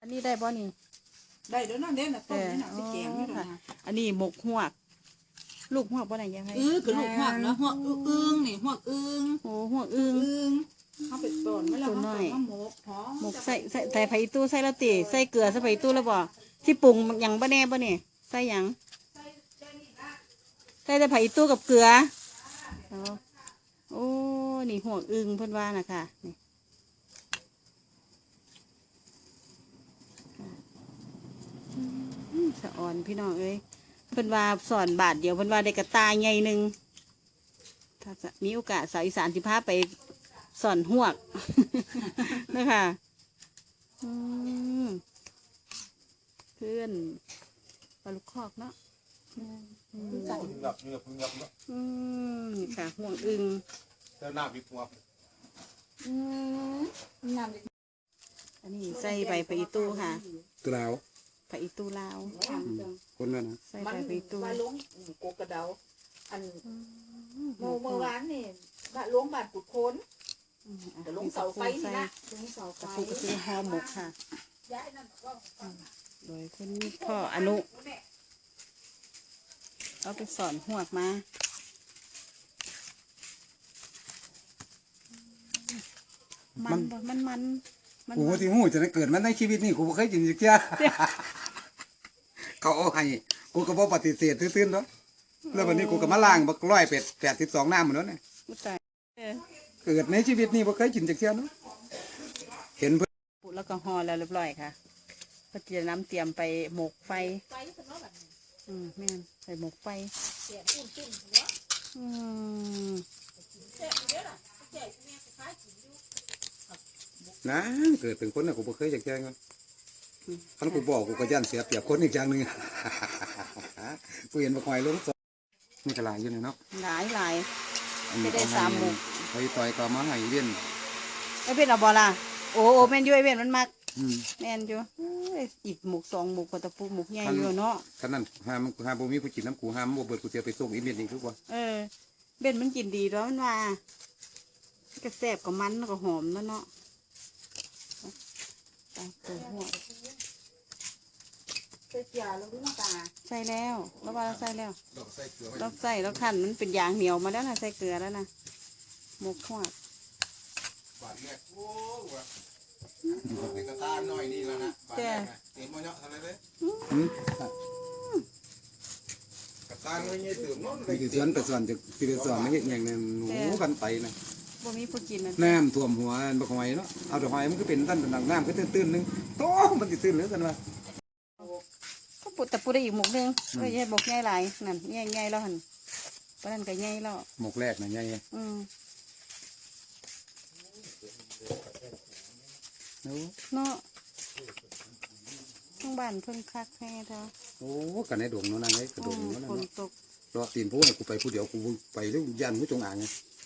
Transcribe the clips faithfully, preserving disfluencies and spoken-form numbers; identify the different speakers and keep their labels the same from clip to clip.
Speaker 1: นี้ได้บ่นี่
Speaker 2: ได้เดี๋ยวนั่นเด่นนะต้มนี่นะสิแกงนี่นะ
Speaker 1: อันนี้หมกหวกลูกหวกบ่ไหนยังไง
Speaker 2: เออคือลูกหวกนะหวกอึ้งนี่หวกอึ้ง
Speaker 1: โอ้หวกอึ้ง
Speaker 2: อึ้งเขาไปต้นไม่แล้วเขาต้มหมกหอม
Speaker 1: หมกใส่ใส่ใส่ไผ่ตู้ใส่แล้วตีใส่เกลือใส่ไผ่ตู้แล้วบ่ที่ปรุงยังบ่แน่บ่เนี่ยใส่ยังใส่แต่ไผ่ตู้กับเกลือโอ้นี่หวกอึ้งเพิ่นว่านะคะนี่สะอ่อนพี่น้องเอ้ยเพิ่นว่าสอนบาทเดียวเพิ่นว่าได้กระตายใหญ่หนึ่งถ้ามีโอกาสสาวอีสานสิพาไปสอนหวกนะคะเพื่อนปลาลูกคอกเนาะ
Speaker 3: พึ่งหยับเนื้อพึ่งหยับเนาะ
Speaker 1: อืมนี่ค่ะห่วงอึง
Speaker 3: เจ้าหน้าวิพวก
Speaker 2: อืมน้ำ
Speaker 1: อันนี้ใส่ใบไปอีตู้ค่ะ
Speaker 3: ตัวเรา
Speaker 1: ไปอีตู้ลาว
Speaker 3: คนนั้นนะ
Speaker 1: ใส่ใบไปอีตู้
Speaker 2: มาล้วงโกกระเดาอันโมเมื่อวานนี่บะล้วงบาดกุดโคนแต่ลงเสาไฟนี่นะลงเสาไฟ
Speaker 1: กระปุกก็คือห่อหมกค่ะโดยคุณพ่ออนุเอาไปสอนหวกมามันมันมัน
Speaker 3: กูที่หูจะได้เกิดมันในชีวิตนี่กูไม่เคยกินสิเจ้าเขาเอาให้กูก็บอกปฏิเสธตื้นๆเนาะแล้ววันนี้กูก็มาล้างบักร้อยเป็ดแปดสิบสองน้ำเหมือนนั้นเนี่ยเกิดในชีวิตนี่ไม่เคยกินสิเจ้าเนาะเห็นเพื่อน
Speaker 1: ปุ๊แล้วก็ห่อแล้วเรียบร้อยค่ะก็จะน้ำเตรียมไปหมกไฟอืมแม่ใส่หมกไฟอืม
Speaker 3: นะเกิดเป็นคนน่ะกูไม่เคยอยากแจ้งเลยท่านกูบอกกูก็ยันเสียเปรียบคนอีกอย่างหนึ่งกูเห็นมาคอยลงสนี่กระไรอยู่เนี่ยเนาะ
Speaker 1: หลายหลายไม่ได้สามหมก
Speaker 3: ไปต่อยก็มาให้เวียน
Speaker 1: ไอเวียนเอาบอล่ะโอ้โอ้แมนยูไอเวียนมันมักแมนยูอีกหมกสองหมกกว่าตะปูหมกใหญ่อยู่เนาะ
Speaker 3: ท่านนั้นห้ามห้ามบ่มีผู้กินน้ำกูห้ามบ่เบิดกูเสียไปส่งอีเมลนี่คือว่า
Speaker 1: เออเบ็ดมันกินดีแล้วมันว่าก็แซ่บกับมันก็หอมแล้วเนาะตาตัวหัว
Speaker 2: ใส่เกลือแล้วน้ำตา
Speaker 1: ใส่แล้วแล้วว่าเราใส่แล้วเราใส่แล้วขันมันเป็นยางเหนียวมาแล้วนะใส่เกลือแล้วนะหมกหัว
Speaker 3: บาดแรกโอ้โหเป็นกระตาหน่อยนี่แล้วนะบาดแรกเต็มมาเนาะทำอะไรเลยกระตาหน่อยนี่ตื่นนอนไปที่สวนไปสวนจะที่ไปสวนไม่เห็นอย่างนั้นหนูกันไปนะ
Speaker 1: บ่มีผู้กินนะ
Speaker 3: น้ำท่วมหัวบักหอยเนาะเอาแต่หอยมันก็เป็นตั้นเป็นน้ำก็ตื้นๆนึงโตมันจะตื้นหรือกันวะ
Speaker 1: ก็ปุดแต่ปุดได้อีกหมกนึงก็ยัยหมกใหญ่หลายนั่นใหญ่ใหญ่แล้วหันเพราะนั่นก็ใหญ่แล้ว
Speaker 3: หมกแรกนะใหญ่
Speaker 1: อืมเนาะทั้งบ้านเพิ่งคักแค่เท่า
Speaker 3: โอ้กันในดงเนาะนั่งไอ้กระดงเนาะ
Speaker 1: ฝนตก
Speaker 3: รอตีนผู้เนี่ยกูไปผู้เดียวกูไปแล้วยันผู้จงอ่างไง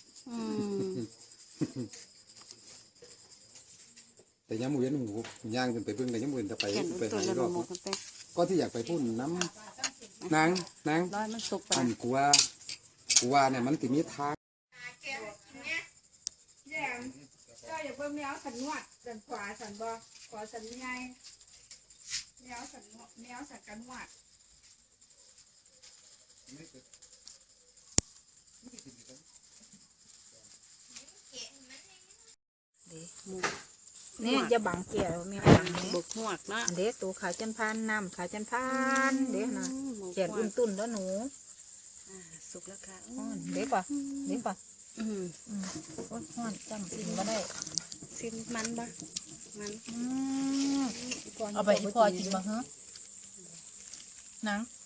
Speaker 3: แต่ยังมือเย็นหูย่างขึ้นไปเพิ่งแต่ยังมือจะไปไปหายรอบก็ที่อยากไปพูดน้ำนางนางอันกูว่ากูว่าเนี่ยมันติมีทาง
Speaker 2: ก็อย่าเพิ่มแมวสันนวดสันขวาสันบอขวาสันใหญ่แมวสันแมวสันกันนวดเนี่ยจะบังเกี่ยวมีบัง
Speaker 1: บกหวกนะ
Speaker 2: เด็กตัวขาจันพันน้ำขาจันพันเด็กนะเจียดอุ่นตุ่นแล้วหนู
Speaker 1: สุกแล้วค่ะ
Speaker 2: เด็กป่ะเด็กป่ะอืมอืมโอ้ยห้อนจังซิมก็ได้
Speaker 1: ซิมมันปะมัน
Speaker 2: เอาไปพ่อกินบ้างฮะนัง